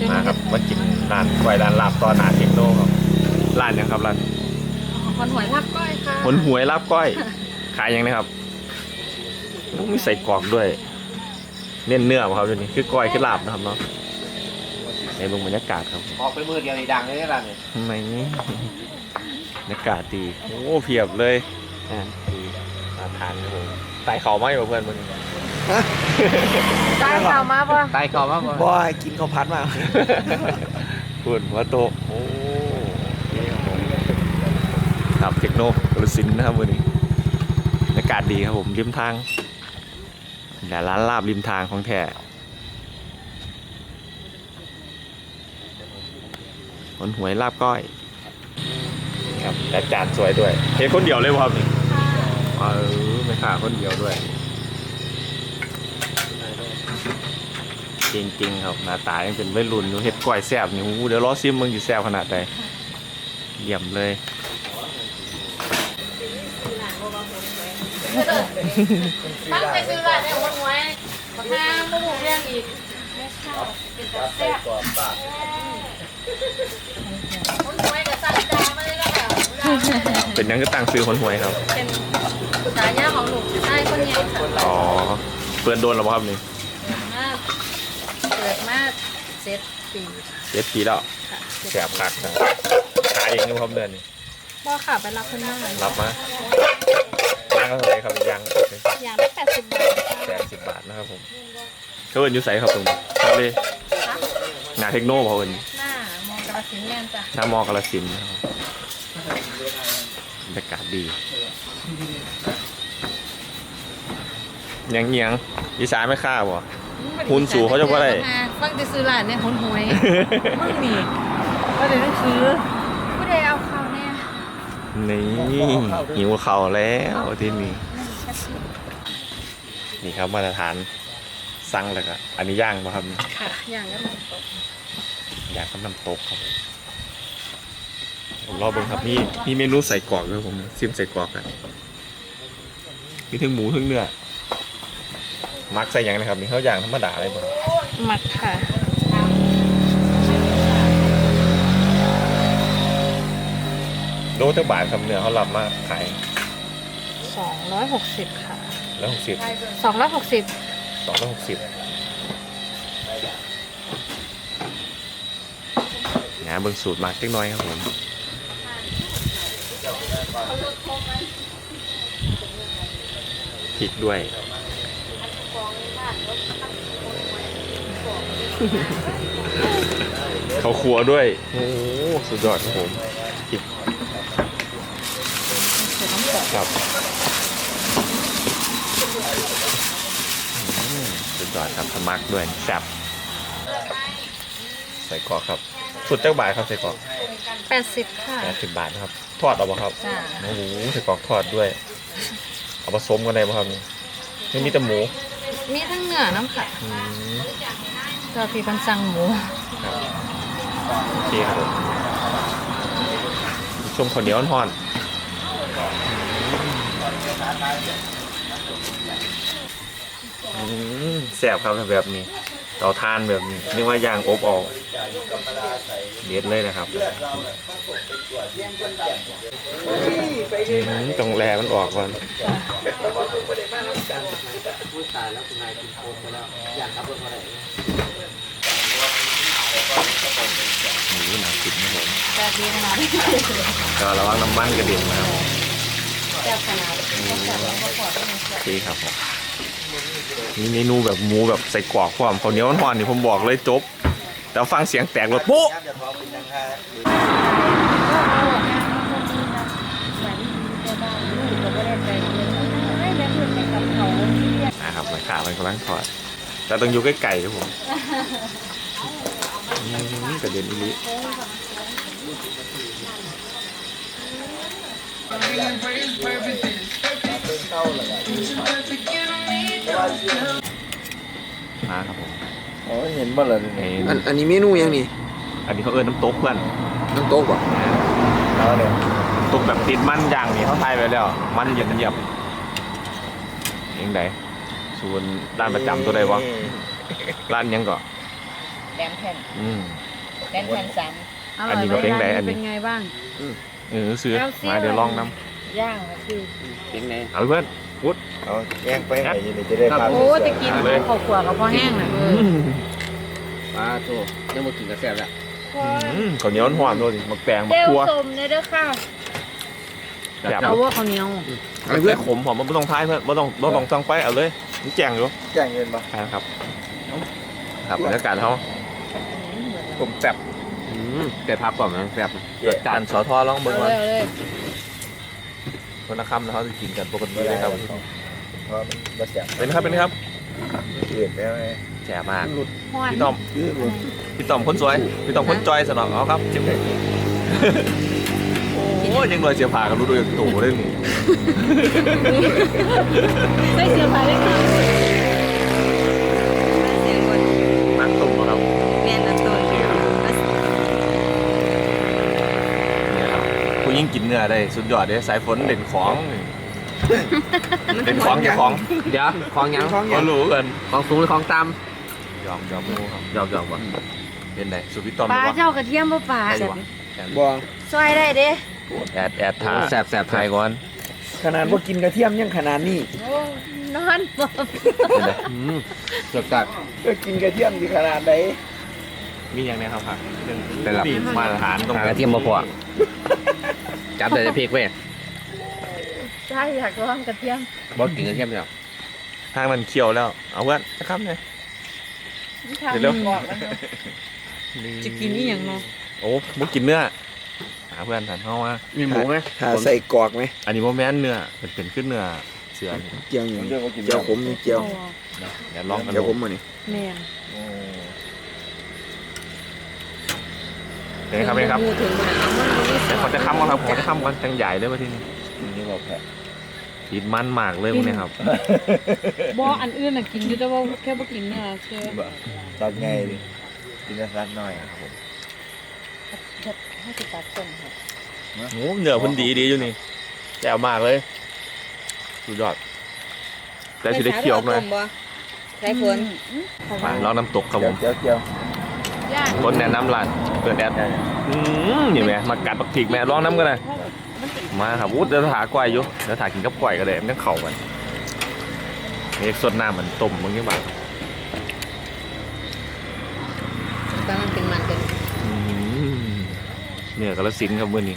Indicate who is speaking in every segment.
Speaker 1: มาครับมากินร้านไวร้านลาบตอนหนาเทคโนครับร้านยังครับร้าน
Speaker 2: หอยลาบก้อยค่ะ
Speaker 1: หนหวยลาบก้อยขายยังนะครับมีใส่กรอกด้วยเน้นเนื้อครับตัวนี้คือก้อยคือลาบนะครับเนาะในบรรยากาศครับ
Speaker 3: ออกไปมือเดียวในดังเลยร้านนี้
Speaker 1: ทำไมนี่บรรยากาศดีโอ้เพียบเลยดีมาทานครับผมไต่เขาไหมเพื่อนมึง
Speaker 2: ได้ข่าวมาป่ะ
Speaker 3: ตายขอบมาก
Speaker 4: บอยกินข้าวผัดมา
Speaker 1: พูดว่าโตโอ้ครับเทคโนกระสินนะครับวันนี้บรรยากาศดีครับผมริมทางแต่ร้านลาบริมทางของแท้คนหวยลาบก้อยครับแต่จานสวยด้วยเห็นคนเดียวเลยครับนี่ไม่ขาคนเดียวด้วยจริงๆครับหน้าตายังเป็นวัยรุ่นอยู่เห็ดก้อยแซ่บนี่เดี๋ยวรอซิมมึงจะแซ่บขนาดใดเยี่ยมเลย
Speaker 2: ตั้งใจซื้อร้านเนี่ยหวยมาทางหมูเรียงอีกไม่ใช่เป็นแต่แซ่บหวยกับสั่งจานมาเลยแล้ว
Speaker 1: เป็นยังก็ตั้งซื้อคนหวยครับ
Speaker 2: เป็นสายย่าของหนูใช่คนนี้ค่ะ
Speaker 1: อ๋อเปิดโดนหรือเปล่าครับนี่
Speaker 2: เปิดมาเจ็ดปี
Speaker 1: 7 ปีแล้ว
Speaker 2: ค่ะ
Speaker 1: แซ่บคักนะขายเองอยู่ครับเดือนนี้
Speaker 2: พ่อค่ะไปรับคนหน้า
Speaker 1: รับมาย่างก็เท่าไหร่ครับย่าง
Speaker 2: อย่างละ80 บาท
Speaker 1: 80 บาทนะครับผมเขาเอินอยู่ใส่ครับตรงนี้ทะเลหนาเทคโนเขาเอิน
Speaker 2: หน้ามองกระสินแม่นจ้ะ
Speaker 1: หน้ามอกาฬสินธุ์นะครับบรรยากาศดียังเงียงอีสานไม่ฆ่าบ่ หุ้นสูงเขาจะว่าอะไร
Speaker 2: ฟังจะซื้อร้านเนี่ยหุ้นหวยมึงนี่ก็เลยต้องซื้อผู้ใดเอาเขาเนี่ย
Speaker 1: นี่หิวเข่าแล้วที่นี่นี่ครับมาตรฐานสั่งเลยครับอันนี้ย่างป่ะครับ
Speaker 2: ค่ะอย่างนั้น
Speaker 1: ย่างกับน้ำตกครับผมรอเบิ่งครับมีเมนูใส่กรอกด้วยผมซิมใส่กรอกกันมีทั้งหมูทั้งเนื้อมักใส่หยังนะครับนี่เขาย่างธรรมดาเลยบ่
Speaker 2: มักค่ะ
Speaker 1: โลเท่าบาทครับเนื้อเขารับมาขาย
Speaker 2: 260ค่ะ
Speaker 1: 160
Speaker 2: 260
Speaker 1: 260นะเบิ่งสูตรมาเล็กน้อยครับผมพริกด้วย เขาครัวด้วยโอ้สุดยอดครับผมพริกครับสุดยอดครับสมักด้วยแซ่บใส่กรอกครับสุดเจ้าบาทครับใส่กรอก
Speaker 2: 80ค่ะ
Speaker 1: 80 บาทนะครับทอดเอาป่ะครับ
Speaker 2: จ้า
Speaker 1: โอ้โหใส่กรอกทอดด้วยเอาผสมกันได้ป่ะครับนี่มีแต่หมู
Speaker 2: มีทั้งเนื้อน้ำค่ะ
Speaker 1: อืม
Speaker 2: ก็พี่คนสั่งหมู
Speaker 1: ครับโอเคครับผมชมข้าวเหนียวอ่อนแซ่บครับแบบนี้เราทานแบบนี้นึกว่าย่างอบออกเด็ดเลยนะครับตรงแรมันออกก่อน
Speaker 3: ตายแล้วคุณนายกินโคมไปแล้วอยากขับรถมาไหน
Speaker 1: หมูหนากินนะผม
Speaker 2: แซ่บดีขนาดนี้
Speaker 1: ก็ระวังน้ำมันกระเด็นนะครับ
Speaker 2: แซ่บขนาดนี้แซ่บแล้วก็ขอได้ไหม
Speaker 1: โอเคครับผมมีเมนูแบบหมูแบบใส่กรอกความข้าวเหนียวอ่อนๆนี่ผมบอกเลยจบแต่ฟังเสียงแตกเลยปุ๊บนะครับมันขามันกำลังทอดแต่ต้องอยู่ใกล้ๆครับผมกระเด็นอีลิมาครับผม
Speaker 4: อ๋อเห็นบ่เลย อันนี้เมนูยังนี่
Speaker 1: อันนี้เขาเอิ้นน้ำตกเพื่อน
Speaker 4: น้ำโต๊ะป่ะ
Speaker 1: แล้วเนี่ยตกแบบติดมันอย่างนี้เขาทายไปแล้ว มันเย็นเยียบยังไงส่วนร้านประจำตัวใดวะร้านยังก่อน
Speaker 2: แหลมแผ่น
Speaker 1: อืม
Speaker 2: แหลมแผ่น3
Speaker 1: อันนี้ก็เป็นไงอันนี้
Speaker 2: เป็นไงบ้าง
Speaker 1: ซื้อมาเดี๋ยวลองน้
Speaker 2: ย่างก็คือ
Speaker 3: เป็นไง
Speaker 1: ำเอาเพื่อนวุฒ
Speaker 4: เอาแย่งไปให้ยินดีจะได้พา
Speaker 2: โอ้ตะกินข้าวขัวกับพ่อแห้งน่ะ
Speaker 3: ปลาโตยังมากินกระแซบแล้ว
Speaker 1: ข้าวเหนียวหอมด้วยมักแตงมัก
Speaker 2: เจ้า
Speaker 1: ทั่ว
Speaker 2: สมเนี่ยเด้อค่ะ
Speaker 1: แบบ
Speaker 2: เอาว่าข้าวเหนียว
Speaker 1: เอาเพื่อนขมหอมมันไม่ต้องท้ายเพื่อนไม่ต้องตั้งไฟเอาเลยนี่แจงอยู่
Speaker 4: แย่งเงินปะ
Speaker 1: ครับครับบรรยากาศเขาผมแซ่บ
Speaker 3: แกพับก่อนนะแซบ
Speaker 1: จานสอทอลองเบิ่ง
Speaker 2: เอา
Speaker 1: ก่อน
Speaker 2: เลย
Speaker 1: คนละคำนะเขาจะกินกันปกติเลยครับ
Speaker 4: เพราะมันบาดเจ็บ
Speaker 1: เป็นครับเป็นครับ
Speaker 4: เกิดแล้วไง
Speaker 1: แจ่มาก
Speaker 2: ฮ้อน
Speaker 1: พี่ต้อม
Speaker 4: ยืดลง
Speaker 1: พี่ต้อมคนสวยพี่ต้อมคนจอยสนองเอาครับจิ้มเลยโอ้ยยังรอยเสียผ่ากันรู้ด้วยตู่เรื่องนี้
Speaker 2: ใส่เสื้อผ้าได้ค่ะ
Speaker 1: มักตุ่มครับ
Speaker 2: แม่นอันตัว
Speaker 1: นี่ครับผู้ยิ่งกินเนื้อได้สุดยอดเลยสายฝนเด่นของเด่นของอย่าของ
Speaker 3: เดี๋ยวคลองยัง
Speaker 1: เขารู้กัน
Speaker 3: คลองสูงหรือคลองต่
Speaker 1: ยอมรู้ครับ
Speaker 3: ำหยอกว่ะ
Speaker 1: เป็นไงสุดพี่ต้อม
Speaker 2: ปลาเจ้ากระเทียมบ่ปลา
Speaker 1: ได้วะ
Speaker 4: บอง
Speaker 2: ซอยได้เด้
Speaker 1: แอดท่า
Speaker 3: แสบ
Speaker 1: ถ่ายก่อน
Speaker 4: ขนาดว่ากินกระเทียมยังขนาดนี้
Speaker 2: โอ้นอนบ่
Speaker 1: เป็นไง
Speaker 3: เกือบตัด
Speaker 4: ก็กินกระเทียมที่ขนาดไหน
Speaker 1: มีอย่างนี้ครับผักเรื่อง
Speaker 3: เป็นหลับ
Speaker 1: มาตรฐานตรง
Speaker 3: กระเทียมมาพอจับแต่จะพริกเว้ย
Speaker 2: ใช่อยากลองกระเทียม
Speaker 3: บอกกินกระเทียมเดียว
Speaker 1: ทางมันเคี่ยวแล้วเอาเพื่อนจะข้ามเลย เร็ว
Speaker 2: จะกินนี่อย่างเนาะ
Speaker 1: โอ้มุกกินเนื้อหาเพื่อนสันเข้ามา
Speaker 3: มีหมูไหม
Speaker 4: หาใส่กรอกไหม
Speaker 1: อันนี้โมแมนเนื้อเป็นขึ้นเนื้อเสือนี่
Speaker 4: เจียวอย่างเจียวขมนี่เจียว
Speaker 1: เดี๋ยวลองกัน
Speaker 4: เจียว
Speaker 1: ดู
Speaker 4: ขมมานี่
Speaker 2: แม่น
Speaker 1: เป็นไงครับเป็นไงครับ
Speaker 2: พูดถึงมันเอามันบ่มี
Speaker 1: เดี๋ยวเขาจะค้ำก่อนครับเขาจะค้ำก่อนจังใหญ่เลยว่าที่นี่
Speaker 4: นี่บอกแพ้
Speaker 1: ติดมันมากเลยพวกนี้ครับ
Speaker 2: บ่อันอื่นน่ะกินอยู่แต่ว่าแค่บ่กินเนื้อแค่
Speaker 4: ตัดไงดิกินกระสันหน่อยครับผม
Speaker 2: ให้สิตัดต้นค่ะ
Speaker 1: โอ้เนื้อเพิ่นดีอยู่นี่แจ๋วมากเลยสุดยอดแต่สิได้เคี่ยวหน่อย
Speaker 2: ใช้ผล
Speaker 1: มาลองน้ำตกครับผม
Speaker 4: เจียว
Speaker 2: ย่าง
Speaker 1: คนแนะนำร้านเปิดแอดนี่แม่มากัดปักถิกแม่ลองน้ำกันเลยมาครับวุ้เดี๋ยวถาก้อยอยู่เดี๋ยวถากินกับก้อยก็ได้มันต้องเข่ากันนี่สดน้ำมันต้มมึงยังบ้าง
Speaker 2: แต่มันเป็นมันกัน
Speaker 1: เนี่ยกระสินธุ์ครับมื้อนี้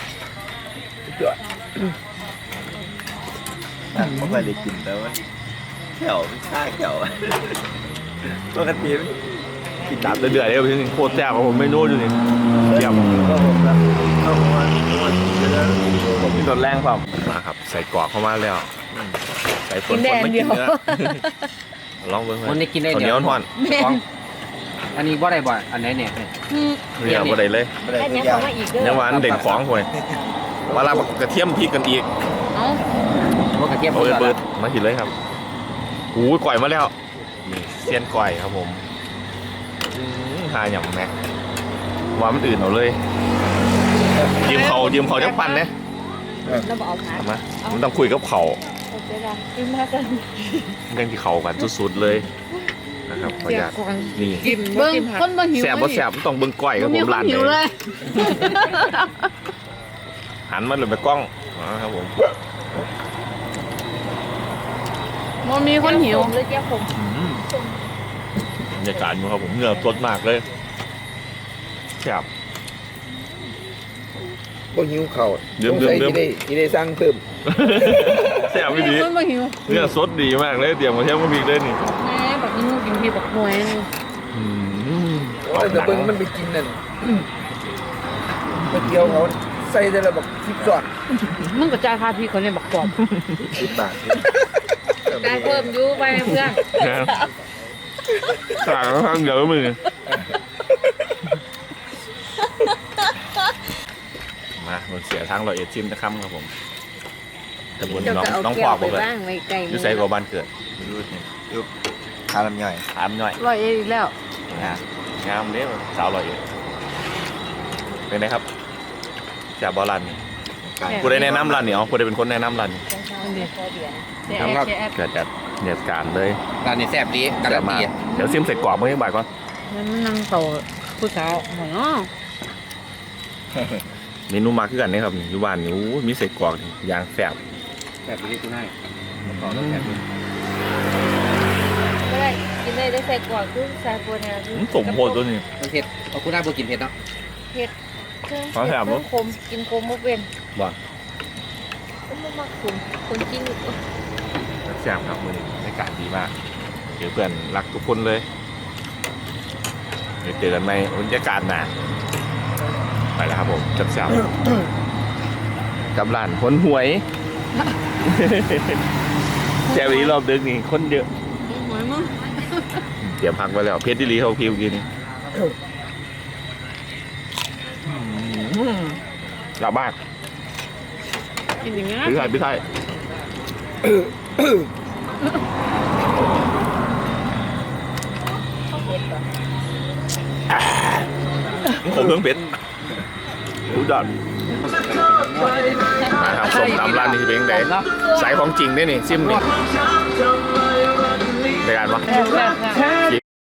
Speaker 4: นั่นไม่ค่อยได้กินแต่ว่าแขวมันชาแขวปกติมัน
Speaker 1: กินตามเดือดๆเลยพี่นี่โคตรแซ่บครับผมไม่นู้อยู่นี่เยี่ยม
Speaker 4: ก็ผมนะก็ผมว่าจะได้
Speaker 1: ผมกินตอนแรงเปล่ามาครับใส่กรอกเข้ามาแล้วใส่ฝนไม่กินเนื้อลองเบิ่ง
Speaker 3: มันได้กินได้
Speaker 1: ข้าวเหนียวทอด
Speaker 2: แม่น
Speaker 3: อันนี้บ่ได้บ่อันไหนเนี่ย
Speaker 1: เรียกบ่ได้เลย
Speaker 4: ไม่ได้
Speaker 2: ได้
Speaker 4: ทุ
Speaker 2: เนี้ย
Speaker 4: กอย่า
Speaker 2: เขา
Speaker 4: ง
Speaker 2: มาอีกเด้อ
Speaker 1: ยังหวานเด่นของคนเวลากระเทียมพริกกันอีก
Speaker 2: เอ้า
Speaker 3: ว่ากระเทียม
Speaker 1: เอา
Speaker 3: เปิ
Speaker 1: เบิ
Speaker 3: ด
Speaker 1: ดมาหินเลยครับหูยก่อยมาแล้วนี่เซียนก่อยครับผมหาอย่างแม็กว่ามันอื่นเอาเลยยืมเขาจะปั่นเนี่ย
Speaker 2: แล้วบอกเอาผัก
Speaker 1: ทำไมมันต้องคุยกับเขา
Speaker 2: เอาไปละกินมากัน
Speaker 1: เรื่องที่เขากันสุดๆเลยนะครับขออนุญาตนี่
Speaker 2: กินเบิ้งคนบ่หิว
Speaker 1: แสบบ่แสบต้องเบิ่งก้อยครับผมร้าน
Speaker 2: หิว
Speaker 1: เล
Speaker 2: เลย ย
Speaker 1: หันมาเลยไปกล้องครับผม
Speaker 2: มันมีคนหิวเลยเจ้าผม
Speaker 1: บรรยากาศอยู่ครับผมเหงื่อสดมากเลยแสบ
Speaker 4: บ่หิวเข่า
Speaker 1: เดิม
Speaker 4: ที่ได้สร้างเพิ่ม
Speaker 1: แสบไม่ดี
Speaker 2: คนบ่หิว
Speaker 1: เนื้อสดดีมากเลยเตรียมมาเทียมกับพริกเลยนี่
Speaker 2: แม่บักหิวกินพี่บักหวยนึง
Speaker 4: แต่เบิ่งมันไปกินนั่นไปเกี่ยวเขาใส่แต่ละแบบคลิปสอด
Speaker 2: มึงก็จ่ายค่าพี่คนนี้บักปอบ
Speaker 4: 10 บาท
Speaker 2: ได้เพิ่มอยู่ไปเพื่อน
Speaker 1: ต่างกันเยอะมือมามันเสียทางเราเอดชิมนะครับครับผมตะบนน้องขวบเลย
Speaker 2: ไว้ไกล
Speaker 1: อยู่ใส่กับบ้านเกิดอยู่นี่
Speaker 4: ขาลำย่อย
Speaker 1: ถามหน่อย
Speaker 2: ร้อยเอ็ดอีกแล้ว
Speaker 1: นะงามเด้อสาวลอยเอ็ดเป็นไงครับจากบอลันนี่ผู้ใดแนะนำร้านนี่อ๋อผู้ใดเป็นคนแนะนำร้านนี่
Speaker 2: ครับ
Speaker 1: เกิดจากเหตุการณ์เลย
Speaker 3: ร้านนี้แซ่บดีกระ
Speaker 1: แต่
Speaker 3: ดับ
Speaker 1: มา
Speaker 3: ดี
Speaker 1: เดี๋ยวซิมใส่กรอบเมื่อกี้บ่ายก่อน
Speaker 2: มันนั่งโตผู้สาวหมอเนาะ
Speaker 1: เมนูมาคือกันนี่ครับนี่อยู่บ้านนี่โอ้มีเศษกรอกนี่ย่างแซ่บ
Speaker 3: แบบนี้คุณนายต่อแล้วแบบนี้
Speaker 2: ก็ได้กินได้ใส่กวาดคือใส่โปรเนี่ย
Speaker 1: สมโพธิตัวนี้
Speaker 3: มันเผ็ดเอาคุณนายบ่กินเผ็ดเนาะ
Speaker 2: เผ็ดเครื่อง
Speaker 1: ขอแถม
Speaker 2: เครื่องคมกินคมมุกเป็น
Speaker 3: บ่
Speaker 2: ก็ไม่มากคนกิน
Speaker 1: แซ่บครับมื้อนี้บรรยากาศดีมากเดี๋ยวเพื่อนรักทุกคนเลยเดี๋ยวเจอกันใหม่บรรยากาศหน้าไปแล้วครับผมแซ่บๆกับร้านคนหวย แซ่บนี้รอบดึกนี่คนเยอะ
Speaker 2: หวยมั้ง
Speaker 1: เตรียมพักไว้แล้วเพชรดิลีเขาคิวกินกลับบ้าน
Speaker 2: กินอย่างนี้
Speaker 1: พี่ไทยพี่ไทยผมเพิ่งเพชรรู้จักนะครับส้มตำร้านนี้เป็นยังไงสายของจริงด้วยนี่ซิมนี่ในการวะ